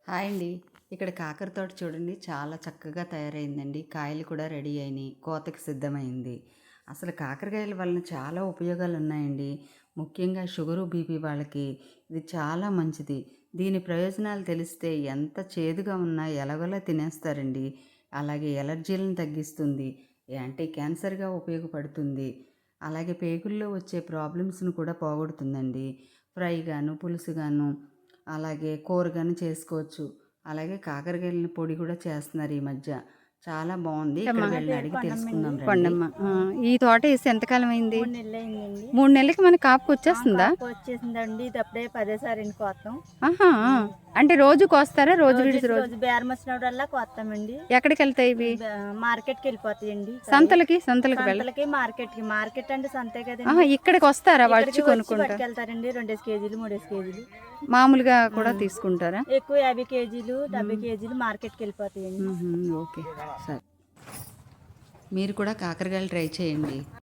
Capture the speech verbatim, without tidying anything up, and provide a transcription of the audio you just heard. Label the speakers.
Speaker 1: Hi అండి. ఇక్కడ కాకర తోట చూడండి చాలా చక్కగా తయారైందండి. కాయలు కూడా రెడీ అయినాయి. కోతకి సిద్ధమైంది. అసలు కాకరకాయల వలన చాలా ఉపయోగాలు ఉన్నాయండి. ముఖ్యంగా షుగరు, బీపీ వాళ్ళకి ఇది చాలా మంచిది. దీని ప్రయోజనాలు తెలిస్తే ఎంత చేదుగా ఉన్నా ఎలాగోలా తినేస్తారండి. అలాగే ఎలర్జీలను తగ్గిస్తుంది. యాంటీ క్యాన్సర్‌గా ఉపయోగపడుతుంది. అలాగే పేగుల్లో వచ్చే ప్రాబ్లమ్స్‌ను కూడా పోగొడుతుందండి. ఫ్రై గాను, పులుసు గాను, అలాగే కూర గాని చేసుకోవచ్చు. అలాగే కాకరకాయలని పొడి కూడా చేస్తున్నారు ఈ మధ్య. చాలా బావుంది. ఇక్కడ
Speaker 2: అమ్మా.
Speaker 3: నా
Speaker 1: వీళ్ళని
Speaker 3: పేరు
Speaker 1: అడిగి
Speaker 3: కొండమ్మండి.
Speaker 1: తెలుసుకుందాం రండి.
Speaker 2: కొండమ్మ. ఆ, ఈ తోట వేసి ఎంతకాలం అయింది?
Speaker 3: మూడు నెలలయిందండి.
Speaker 2: మూడు నెలలకి మనకి కాపుకి
Speaker 3: ఆ!
Speaker 2: వచ్చేస్తుందా?
Speaker 3: కాపు వచ్చేసిందండి. ఇది అప్పుడే పదేసారండి కోత్తాం.
Speaker 2: ఆహా! ఆ. అంటే రోజు కోస్తారా? రోజు
Speaker 3: రోజు
Speaker 2: విడిచి రోజు
Speaker 3: రోజు బేరం వచ్చినప్పుడల్లా కోత్తామండి.
Speaker 2: ఎక్కడికి వెళ్తాయి ఇవి?
Speaker 3: బ మార్కెట్‌కి వెళ్ళిపోతాయండి.
Speaker 2: సంతలకి సంతలకి వెళ్ళ
Speaker 3: సంతలకి, మార్కెట్‌కి. మార్కెట్ అంటే సంతే
Speaker 2: ఆహా,
Speaker 3: కదండి.
Speaker 2: ఇక్కడికి వస్తారా? వచ్చి
Speaker 3: ఇక్కడికి వచ్చి
Speaker 2: కొనుక్కుంటా
Speaker 3: పట్టుకెళ్తారండి. రెండేసి కేజీలు, మూడేసి కేజీలు.
Speaker 2: మామూలుగా కూడా తీసుకుంటారా?
Speaker 3: ఎక్కువ యాభై కేజీలు, డెబ్బై కేజీలు మార్కెట్‌కి వెళ్ళిపోతాయండి.
Speaker 2: మ్మ్, ఓకే, సరే.
Speaker 1: మీరు కూడా కాకరకాయలు ట్రై చేయండి.